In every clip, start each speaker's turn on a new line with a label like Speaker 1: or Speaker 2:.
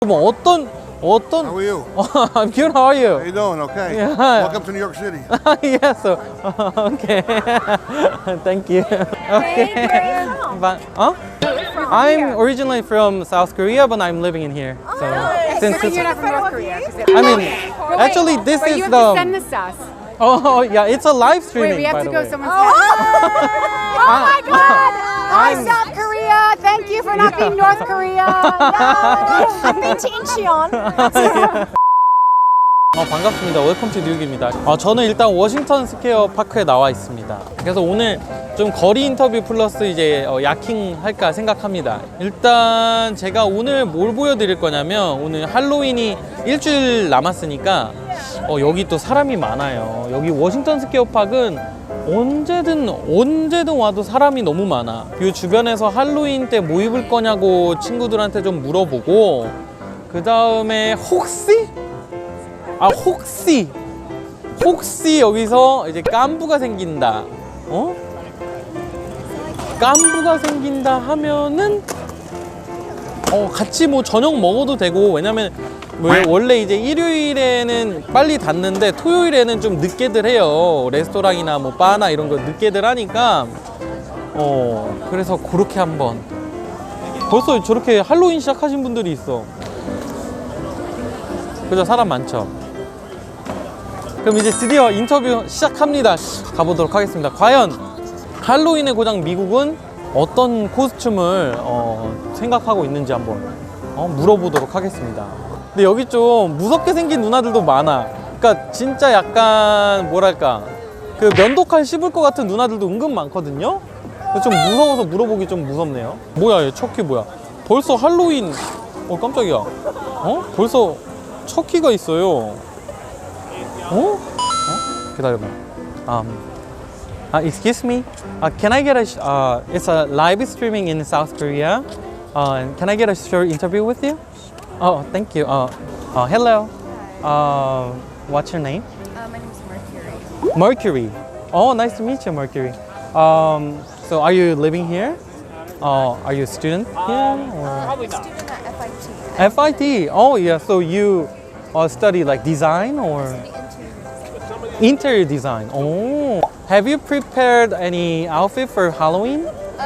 Speaker 1: 뭐 어떤
Speaker 2: How are you?
Speaker 1: I'm good. How are
Speaker 2: How
Speaker 1: you?
Speaker 2: you doing? Okay.
Speaker 1: Yeah.
Speaker 2: Welcome to New York City.
Speaker 1: Yeah. So okay. Thank you. Okay. But I'm originally from South Korea, but I'm living in here. So since
Speaker 3: You're not from North Korea.
Speaker 1: I mean, actually, this
Speaker 3: Wait,
Speaker 1: is
Speaker 3: you have
Speaker 1: the.
Speaker 3: to send this to us.
Speaker 1: Oh yeah, it's a live
Speaker 3: Wait,
Speaker 1: streaming.
Speaker 3: we have
Speaker 1: by
Speaker 3: to
Speaker 1: the
Speaker 3: go
Speaker 1: way.
Speaker 3: someone's house. Oh my God! Hi, South Korea. Thank you for not being North Korea. I've been to Incheon.
Speaker 1: 반갑습니다. 웰컴 투 뉴욕입니다. 저는 일단 워싱턴 스퀘어 파크에 나와 있습니다. 그래서 오늘 좀 거리 인터뷰 플러스 이제 야킹 할까 생각합니다. 일단 제가 오늘 뭘 보여드릴 거냐면 오늘 할로윈이 일주일 남았으니까 여기 또 사람이 많아요. 여기 워싱턴 스퀘어 파크는 언제든 와도 사람이 너무 많아. 이 주변에서 할로윈 때 뭐 입을 거냐고 친구들한테 좀 물어보고 그 다음에 혹시 여기서 이제 깐부가 생긴다. 깐부가 생긴다 하면은 같이 뭐 저녁 먹어도 되고, 왜냐면 원래 이제 일요일에는 빨리 닫는데 토요일에는 좀 늦게들 해요. 레스토랑이나 뭐 바나 이런 거 늦게들 하니까 그래서 그렇게 한번. 벌써 저렇게 할로윈 시작하신 분들이 있어. 그죠? 사람 많죠? 그럼 이제 드디어 인터뷰 시작합니다. 가보도록 하겠습니다. 과연 할로윈의 고장 미국은 어떤 코스튬을 생각하고 있는지 한번 물어보도록 하겠습니다. 근데 여기 좀 무섭게 생긴 누나들도 많아. 그러니까 진짜 약간 뭐랄까, 그 면도칼 씹을 것 같은 누나들도 은근 많거든요. 좀 무서워서 물어보기 좀 무섭네요. 뭐야, 얘 척키 뭐야? 벌써 할로윈. 깜짝이야. 벌써 척키가 있어요. 기다려봐. Excuse me. Can I get it's a live streaming in South Korea. Can I get a short interview with you? Oh, thank you. Hello. What's your name?
Speaker 4: My name is Mercury.
Speaker 1: Mercury. Oh, nice to meet you, Mercury. So are you living here? Are you a student here? Or?
Speaker 4: I'm a student at FIT.
Speaker 1: FIT. Oh, yeah. So you study like design or interior design. Oh, have you prepared any outfit for Halloween?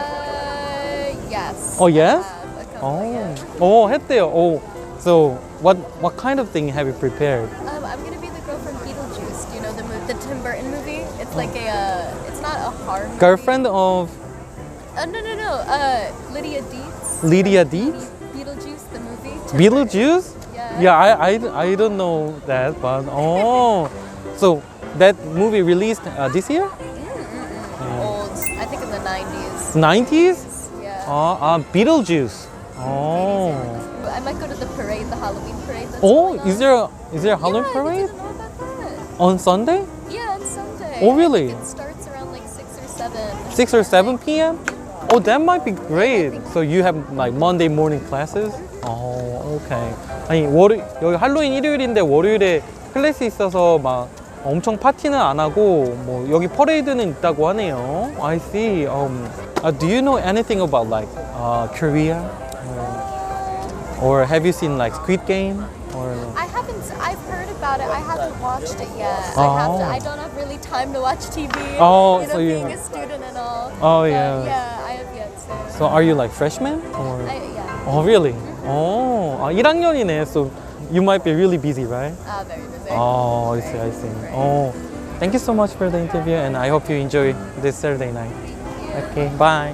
Speaker 4: Yes.
Speaker 1: Oh, yes.
Speaker 4: Yeah.
Speaker 1: 했대요. So what kind of thing have you prepared?
Speaker 4: I'm gonna be the girl from Beetlejuice. Do you know the Tim Burton movie? It's like it's not a horror movie.
Speaker 1: Girlfriend of
Speaker 4: No. Lydia Deetz.
Speaker 1: Lydia Deetz?
Speaker 4: Beetlejuice, the movie. Tim
Speaker 1: Beetlejuice?
Speaker 4: Yeah.
Speaker 1: Yeah, I don't know that, but so that movie released this year?
Speaker 4: Old. I think in the 90s.
Speaker 1: 90s?
Speaker 4: Yeah.
Speaker 1: Beetlejuice.
Speaker 4: I might go to the parade, the Halloween parade. That's
Speaker 1: Oh,
Speaker 4: going
Speaker 1: is
Speaker 4: on.
Speaker 1: there a Halloween
Speaker 4: Yeah,
Speaker 1: parade
Speaker 4: I didn't know about that.
Speaker 1: on Sunday?
Speaker 4: Yeah, on Sunday.
Speaker 1: Oh, really?
Speaker 4: It starts around like 6 or 7.
Speaker 1: 6 or 7 p.m.? Oh, that might be great. So you have like Monday morning classes? Okay. 아니, 여기 할로윈 일요일인데 월요일에 클래스 있어서 막 엄청 파티는 안 하고 뭐 여기 퍼레이드는 있다고 하네요. I see. Do you know anything about like Korea? Or have you seen like Squid Game? Or
Speaker 4: I've heard about it. I haven't watched it yet.
Speaker 1: Oh.
Speaker 4: I don't have really time to watch TV.
Speaker 1: Oh,
Speaker 4: you know,
Speaker 1: so
Speaker 4: being a student and all.
Speaker 1: Oh,
Speaker 4: But
Speaker 1: yeah.
Speaker 4: Yeah, I have yet to.
Speaker 1: So are you like freshman? Or?
Speaker 4: Yeah.
Speaker 1: Oh, really? 1학년이네. So you might be really busy, right?
Speaker 4: Very busy.
Speaker 1: I see. Thank you so much for the interview, and I hope you enjoy this Saturday night. Okay, bye.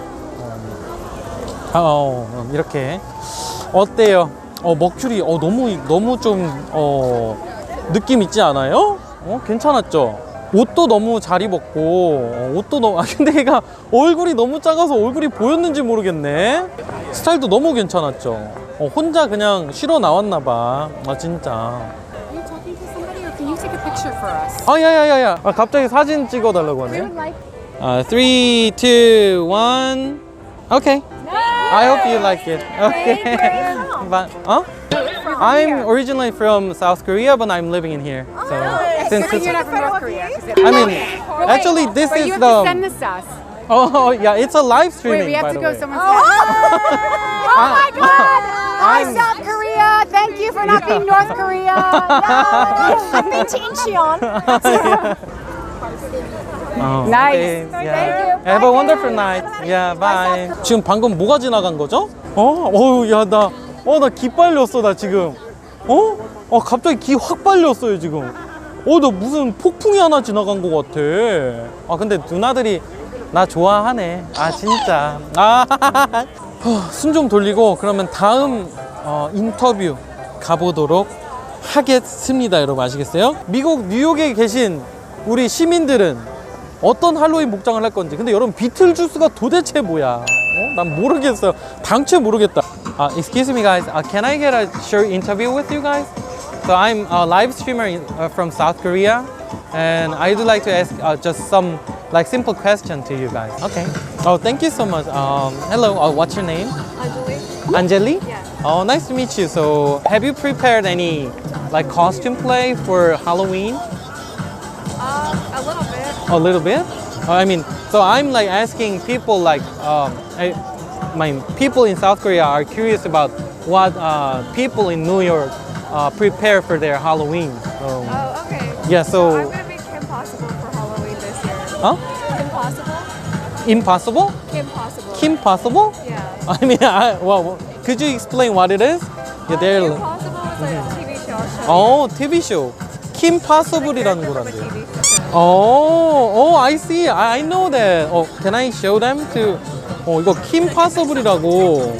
Speaker 1: 이렇게 어때요? 머큐리 너무 좀 느낌 있지 않아요? 괜찮았죠? 옷도 너무 잘 입었고 옷도 너무 근데 얘가 얼굴이 너무 작아서 얼굴이 보였는지 모르겠네. 스타일도 너무 괜찮았죠? 혼자 그냥 쉬러 나왔나 봐. 진짜.
Speaker 3: Are you talking to somebody or can you take a picture for us?
Speaker 1: 야야야야. 갑자기 사진 찍어달라고 하네.
Speaker 3: like.
Speaker 1: 3, 2, 1. Okay. I hope you like it. Okay. But, I'm originally from South Korea, but I'm living in here. So since
Speaker 3: You're not from North Korea.
Speaker 1: I mean, actually, this
Speaker 3: Wait,
Speaker 1: is
Speaker 3: you have to send
Speaker 1: the.
Speaker 3: this to us.
Speaker 1: Oh, yeah, it's a live
Speaker 3: Wait,
Speaker 1: streaming.
Speaker 3: we have
Speaker 1: by
Speaker 3: to
Speaker 1: the
Speaker 3: go
Speaker 1: way.
Speaker 3: someone's house. Oh my God! Hi, South Korea. Thank you for not being North Korea. Yeah. I've been to Incheon. Nice.
Speaker 1: Okay,
Speaker 3: Thank
Speaker 1: yeah.
Speaker 3: you.
Speaker 1: Have a wonderful night. Yeah, bye. 지금 방금 뭐가 지나간 거죠? 야, 나 기 빨렸어, 나 지금. 갑자기 기 확 빨렸어요, 지금. 나 무슨 폭풍이 하나 지나간 것 같아. 근데 누나들이 나 좋아하네. 진짜. 숨 좀 돌리고 그러면 다음 인터뷰 가보도록 하겠습니다. 여러분 아시겠어요? 미국 뉴욕에 계신 우리 시민들은 어떤 할로윈 목장을 할 건지. 근데 여러분 비틀주스가 도대체 뭐야? 난 모르겠어요. 당최 모르겠다. Excuse me guys, can I get a short interview with you guys? So I'm a live streamer from South Korea, and I would like to ask just some like simple question to you guys. Okay. Thank you so much. Hello. What's your name? Anjali.
Speaker 4: Yeah.
Speaker 1: Nice to meet you. So, have you prepared any like costume play for Halloween?
Speaker 4: A little bit.
Speaker 1: A little bit. So I'm like asking people like people in South Korea are curious about what people in New York prepare for their Halloween. So,
Speaker 4: Oh, okay.
Speaker 1: yeah. So,
Speaker 4: I'm gonna be Kim Possible for Halloween this year.
Speaker 1: huh?
Speaker 4: Kim Possible?
Speaker 1: Impossible?
Speaker 4: Kim Possible.
Speaker 1: Kim Possible?
Speaker 4: Yeah.
Speaker 1: Well, could you explain what it is? Yeah, they're.
Speaker 4: Kim Possible is like a TV show.
Speaker 1: TV show. Kim Possible이라는
Speaker 4: From a
Speaker 1: 거란데요.
Speaker 4: TV show.
Speaker 1: I see. I know that. Can I show them to? 이거 Kim Possible이라고.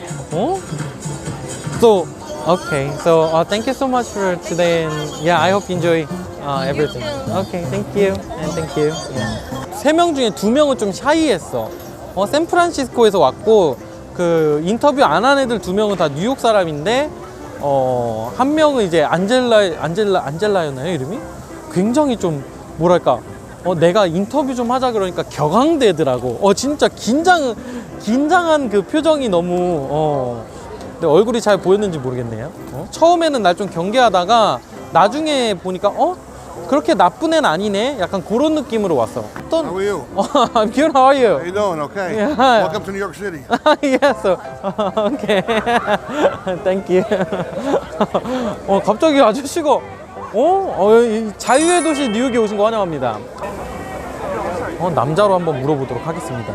Speaker 1: So, okay. So, thank you so much for today, and yeah, I hope you enjoy everything. Okay, thank you, and thank you. 세 명 중에 두 명은 좀 샤이했어. 샌프란시스코에서 왔고 그 인터뷰 안 한 애들 두 명은 다 뉴욕 사람인데 한 명은 이제 안젤라였나요 이름이? 굉장히 좀 뭐랄까 내가 인터뷰 좀 하자 그러니까 격앙되더라고. 진짜 긴장한 그 표정이 너무 근데 얼굴이 잘 보였는지 모르겠네요. 처음에는 날 좀 경계하다가 나중에 보니까 그렇게 나쁜 애는 아니네. 약간 그런 느낌으로 왔어.
Speaker 2: How are you?
Speaker 1: I'm good. How are you?
Speaker 2: How you doing? Okay.
Speaker 1: Yeah.
Speaker 2: Welcome to New York City.
Speaker 1: Yeah, so okay. Thank you. 갑자기 아저씨가 이 자유의 도시 뉴욕에 오신 거 환영합니다. 남자로 한번 물어보도록 하겠습니다.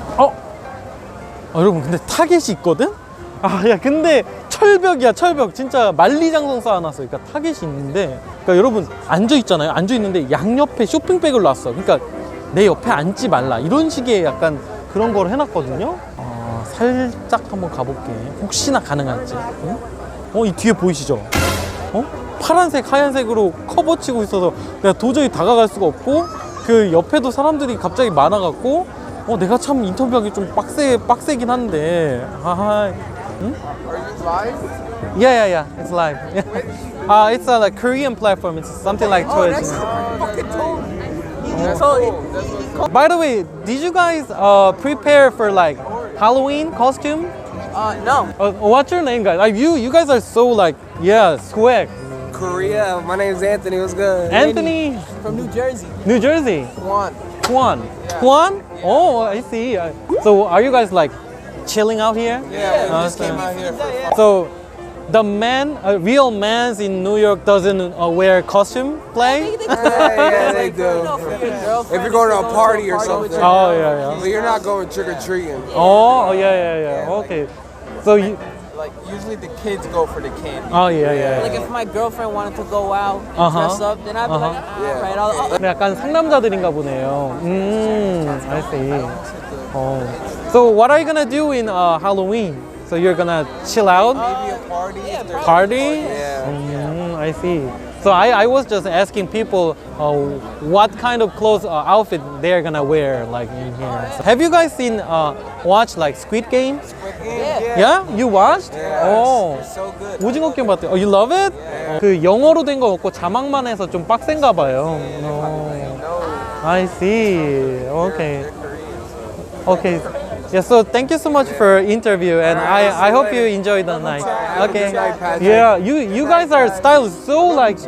Speaker 1: 여러분 근데 타겟이 있거든? 야 근데 철벽이야 철벽. 진짜 만리장성 쌓아놨어. 그러니까 타겟이 있는데 그러니까 여러분 앉아있잖아요. 앉아있는데 양옆에 쇼핑백을 놨어. 그러니까 내 옆에 앉지 말라 이런 식의 약간 그런 걸 해놨거든요. 살짝 한번 가볼게. 혹시나 가능할지. 이 뒤에 보이시죠? 파란색 하얀색으로 커버 치고 있어서 내가 도저히 다가갈 수가 없고 그 옆에도 사람들이 갑자기 많아갖고 내가 참 인터뷰하기 좀 빡세긴 한데 응?
Speaker 5: Are you live?
Speaker 1: Yeah, it's live. It's a like Korean platform. It's something like Twitch.
Speaker 5: Fucking told me. That's cool.
Speaker 1: By the way, did you guys prepare for like Halloween costume?
Speaker 5: No.
Speaker 1: What's your name, guys? Like you guys are so like swag.
Speaker 5: Korea. My name's Anthony. What's good?
Speaker 1: Anthony,
Speaker 5: From New Jersey.
Speaker 1: New Jersey.
Speaker 5: Juan.
Speaker 1: Juan? Oh, I see. So are you guys like chilling out here?
Speaker 5: Yeah, we just came out here.
Speaker 1: So the real man in New York doesn't wear costume play?
Speaker 5: Yeah, they do. If you're going to a party or something.
Speaker 1: Oh, yeah.
Speaker 5: But you're not going trick or treating.
Speaker 1: Oh, yeah. Okay. So you,
Speaker 6: Like usually the kids go for the candy.
Speaker 1: yeah.
Speaker 6: Like if my girlfriend wanted to go out and
Speaker 1: Uh-huh.
Speaker 6: dress up, then I'd be like, alright, I'll
Speaker 1: 근데 약간 상남자들인가 보네요. I see. So what are you gonna do in Halloween? So you're gonna chill out?
Speaker 5: Maybe a party. if there's-
Speaker 1: Party?
Speaker 5: Yeah.
Speaker 1: I see. So I was just asking people what kind of clothes outfit they're gonna wear like in here. So have you guys watched like Squid Game? Yeah? You watched? Oh.
Speaker 5: So good.
Speaker 1: 오징어 게임 봤대요. You love it? 그 영어로 된 거 없고 자막만 해서 좀 빡센가 봐요. I see. Okay. Yeah, so thank you so much for interview, and I hope you enjoy the night. Okay. Yeah, you guys are styled so like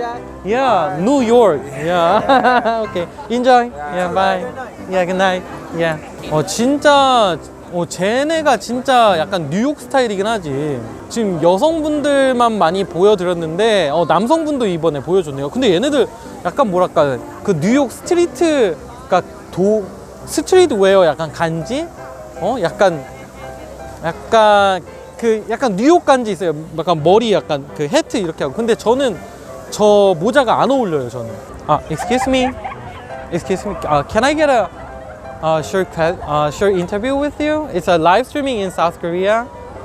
Speaker 1: New York. Yeah. Okay. Enjoy. Yeah. Bye. Yeah. Good night. Yeah. 진짜 쟤네가 진짜 약간 뉴욕 스타일이긴 하지. 지금 여성분들만 많이 보여드렸는데 남성분도 이번에 보여줬네요. 근데 얘네들 약간 뭐랄까 그 뉴욕 스트리트, 그러니까 스트리트 웨어 약간 간지? 약간 뉴욕 간지 있어요. 약간 머리 약간 그 해트 이렇게 하고. 근데 저는 저 모자가 안 어울려요. 저는. Excuse me, can I get a short interview with you? It's a live streaming in South Korea.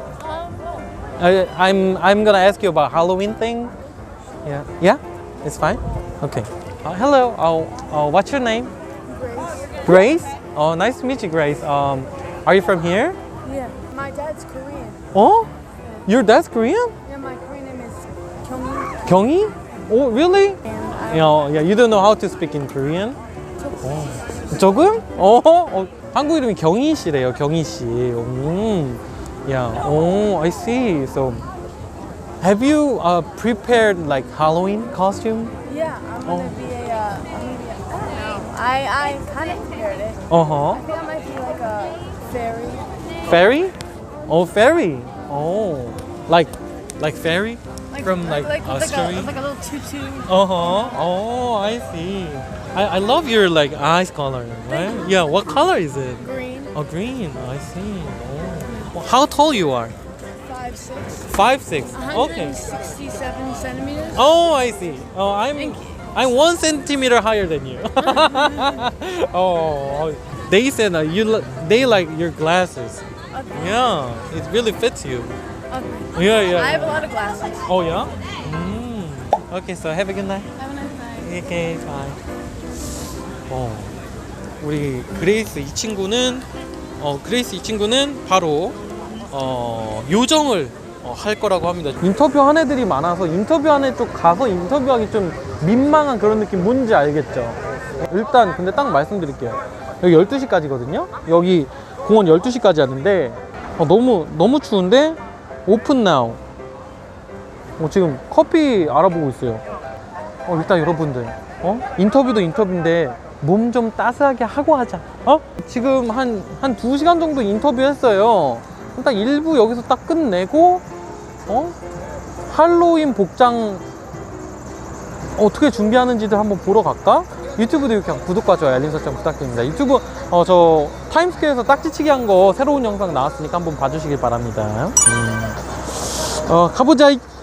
Speaker 1: I'm gonna ask you about Halloween thing. Yeah, it's fine. Okay. Hello. What's your name? Grace. Oh, nice to meet you, Grace. Are you from here?
Speaker 7: Yeah, my dad's Korean.
Speaker 1: Oh, your dad's Korean?
Speaker 7: Yeah, my Korean name is Kyungmi.
Speaker 1: 경희? Oh, really?
Speaker 7: And
Speaker 1: You don't know how to speak in Korean? 조금? 한국 이름이 경희 씨래요. 경희 씨. I see. So, have you prepared like Halloween costume?
Speaker 7: yeah, I'm gonna be I don't know. I kind of prepared it.
Speaker 1: Uh-huh.
Speaker 7: I think I might be like a fairy.
Speaker 1: Fairy? Oh, fairy. Oh, like fairy from like story.
Speaker 7: Like a little tutu.
Speaker 1: Oh, I see. I love your like eyes color, right? Yeah. What color is it?
Speaker 7: Green.
Speaker 1: Oh, green. I see. Well, how tall you are?
Speaker 7: 5'6".
Speaker 1: 5'6". Okay.
Speaker 7: 167 centimeters.
Speaker 1: Oh, I see. I'm 1 centimeter higher than you. They said they like your glasses.
Speaker 7: Okay.
Speaker 1: Yeah, it really fits you.
Speaker 7: Okay.
Speaker 1: Yeah.
Speaker 7: I have a lot of glasses.
Speaker 1: Oh yeah. Okay, so have a good night.
Speaker 7: Have a nice night.
Speaker 1: Okay, bye. 우리 그레이스 이 친구는 바로 요정을 할 거라고 합니다. 인터뷰한 애들이 많아서 인터뷰한 애 쪽 가서 인터뷰하기 좀 민망한 그런 느낌 뭔지 알겠죠? 일단 근데 딱 말씀드릴게요. 여기 12시까지거든요. 여기 공원 12시까지 하는데 너무 추운데 오픈 나우. 지금 커피 알아보고 있어요. 일단 여러분들 인터뷰도 인터뷰인데 몸 좀 따스하게 하고 하자. 지금 한 2시간 정도 인터뷰했어요. 딱 일부 여기서 딱 끝내고 할로윈 복장 어떻게 준비하는지도 한번 보러 갈까? 유튜브도 이렇게 구독과 좋아요 알림 설정 부탁드립니다. 유튜브 저 타임스퀘어에서 딱지치기 한 거 새로운 영상 나왔으니까 한번 봐주시길 바랍니다. 가보자.